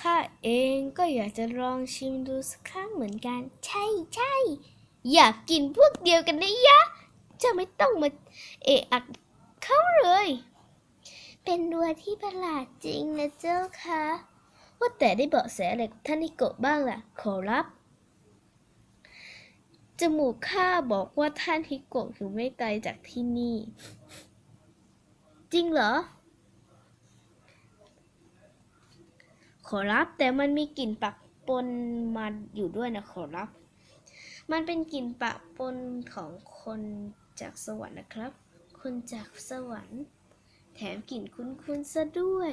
ข้าเองก็อยากจะลองชิมดูสักครั้งเหมือนกันใช่อยากกินพวกเดียวกันนะยะจะไม่ต้องมาเอะอะเขาเลยเป็นดัวที่ประหลาดจริงนะเจ้าค่ะว่าแต่ได้เบาะแสอะไรกับท่านฮิโกะบ้างล่ะขอรับจมูกข้าบอกว่าท่านฮิโกะอยู่ไม่ไกลจากที่นี่จริงเหรอขอรับแต่มันมีกลิ่นปะปนมาอยู่ด้วยนะขอรับมันเป็นกลิ่นปะปนของคนจากสวรรค์นะครับคนจากสวรรค์แถมกลิ่นคุ้นๆซะด้วย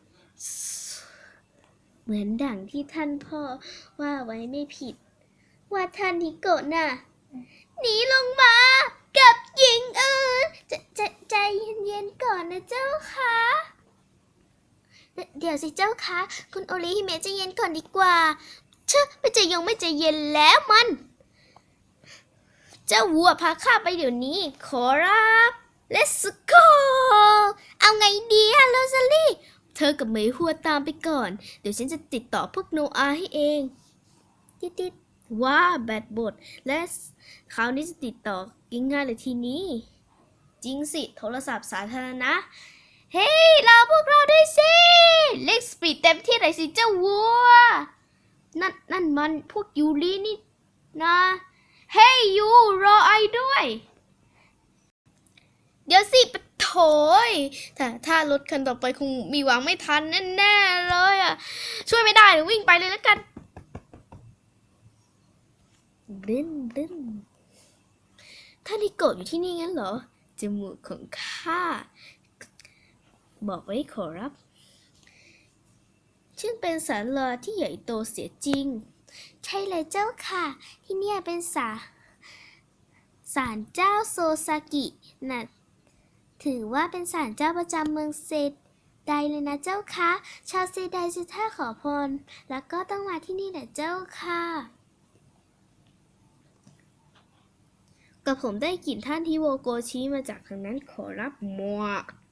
เหมือนดั่งที่ท่านพ่อว่าไว้ไม่ผิดว่าท่านฮิโกะน่ะหนีลงมากับหญิงอื่นใจเย็นๆก่อนนะเจ้าค่ะเดี๋ยวสิเจ้าค่ะคุณโอริฮิเมะใจเย็นก่อนดีกว่าไม่ใจเย็นแล้วมันเจ้าวัวพาข้าไปเดี๋ยวนี้ขอรับ Let's go เอาไงดีอะโรซาลี่เธอกับเหมยหัวตามไปก่อนเดี๋ยวฉันจะติดต่อพวกโนอาให้เองติดว่าแบตหมดและคราวนี้จะติดต่อง่ายๆเลยทีนี้จริงสิโทรศัพท์สาธารณะเฮ้ยรอพวกเราด้วยสิเล็กสปีดเต็มที่เลยสิเจ้าวัวนั่นมันพวกยูรินี่นะเฮ้ยยูรอไอด้วยเดี๋ยวสิปะโถยถ้ารถคันต่อไปคงมีหวังไม่ทันแน่ๆเลยอ่ะช่วยไม่ได้วิ่งไปเลยแล้วกันบึ้นท่านฮิโกะอยู่ที่นี่งั้นเหรอจมูกของข้าบอกไว้ขอรับซึ่งเป็นศาลาที่ใหญ่โตเสียจริงใช่เลยเจ้าค่ะที่เนี่ยเป็นศาลเจ้าโซซากินะถือว่าเป็นศาลเจ้าประจำเมืองเซไดเลยนะเจ้าค่ะชาวเซไดจะถ้าขอพรแล้วก็ต้องมาที่นี่แหละเจ้าค่ะกับผมได้กลิ่นท่านฮิโวโกชิมาจากทางนั้นขอรับมัว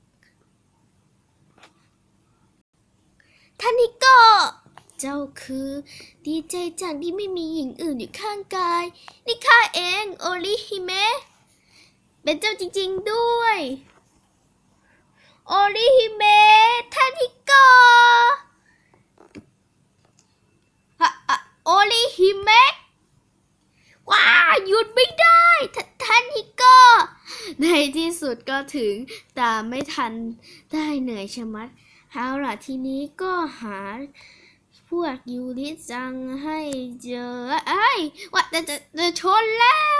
ท่านฮิโกะเจ้าคือดีใจจังที่ไม่มีหญิงอื่นอยู่ข้างกายนี่ข้าเองโอริฮิเมะเป็นเจ้าจริงๆด้วยโอริฮิเมะท่านฮิโกะโอริฮิเมะว้าหยุดไม่ได้ท่านฮิโกะในที่สุดก็ถึงแต่ไม่ทันได้เหนื่อยชะมัดเอาล่ะทีนี้ก็หาพวกยูริจังให้เจอว่าจะชนแล้ว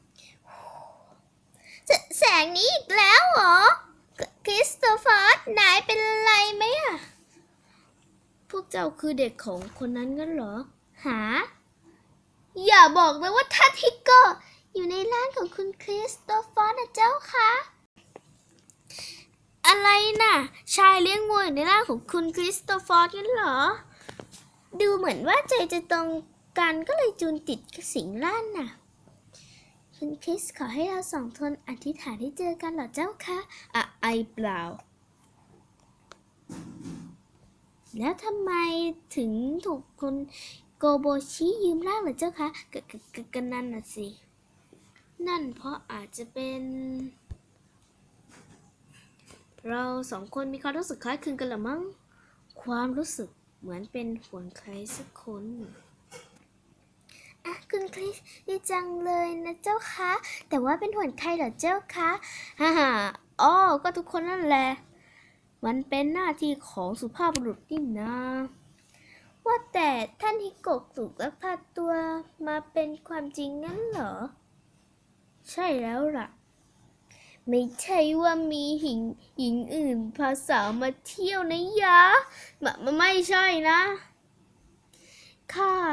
แสงนี้อีกแล้วเหรอคริสโตเฟอร์นายเป็นอะไรไหมอะพวกเจ้าคือเด็กของคนนั้นงั้นเหรอหาอย่าบอกนะว่าท่านฮิโกะอยู่ในร้านของคุณคริสโตเฟอร์นะเจ้าคะอะไรน่ะชายเลี้ยงวัวอยู่ในร้านของคุณคริสโตเฟอร์งั้นเหรอดูเหมือนว่าใจจะตรงกันก็เลยจูนติดกับสิงร่านน่ะคุณคริสขอให้เราสองคนอธิษฐานให้เจอกันเหรอเจ้าคะเปล่าแล้วทำไมถึงถูกคนโกโบชิยืมร่างเหรอเจ้าคะกันนั่นน่ะสินั่นเพราะอาจจะเป็นเราสองคนมีความรู้สึกคล้ายคลึงกันหรือมั้งความรู้สึกเหมือนเป็นห่วงใครสักคนคุณคริสดีจังเลยนะเจ้าคะแต่ว่าเป็นห่วงใครเหรอเจ้าคะก็ทุกคนนั่นแหละมันเป็นหน้าที่ของสุภาพบุรุษนี่นะว่าแต่ท่านฮิโกะถูกลักพาตัวมาเป็นความจริงงั้นเหรอใช่แล้วล่ะไม่ใช่ว่ามีหญิงอื่นพาสาวมาเที่ยวนะยะไม่ใช่นะข้า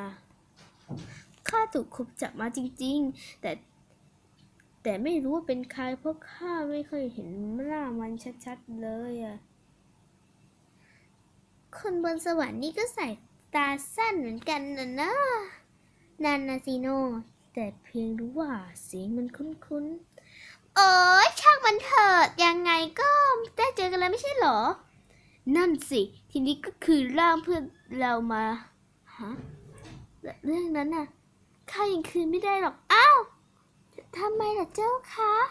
ถูกคุมจับมาจริงๆแต่ไม่รู้ว่าเป็นใครเพราะข้าไม่เคยเห็นหน้ามันชัดๆเลยอะคนบนสวรรค์นี่ก็ใส่ตาสั้นเหมือนกันนะนันนาซิโนแต่เพียงรู้ว่าเสียงมันคุ้นๆช่างมันเถิดยังไงก็ได้เจอกันแล้วไม่ใช่หรอนั่นสิทีนี้ก็คือร่างเพื่อนเรามาฮะเรื่องนั้นน่ะข้ายังคืนไม่ได้หรอกอ้าวทำไมล่ะเจ้าคะ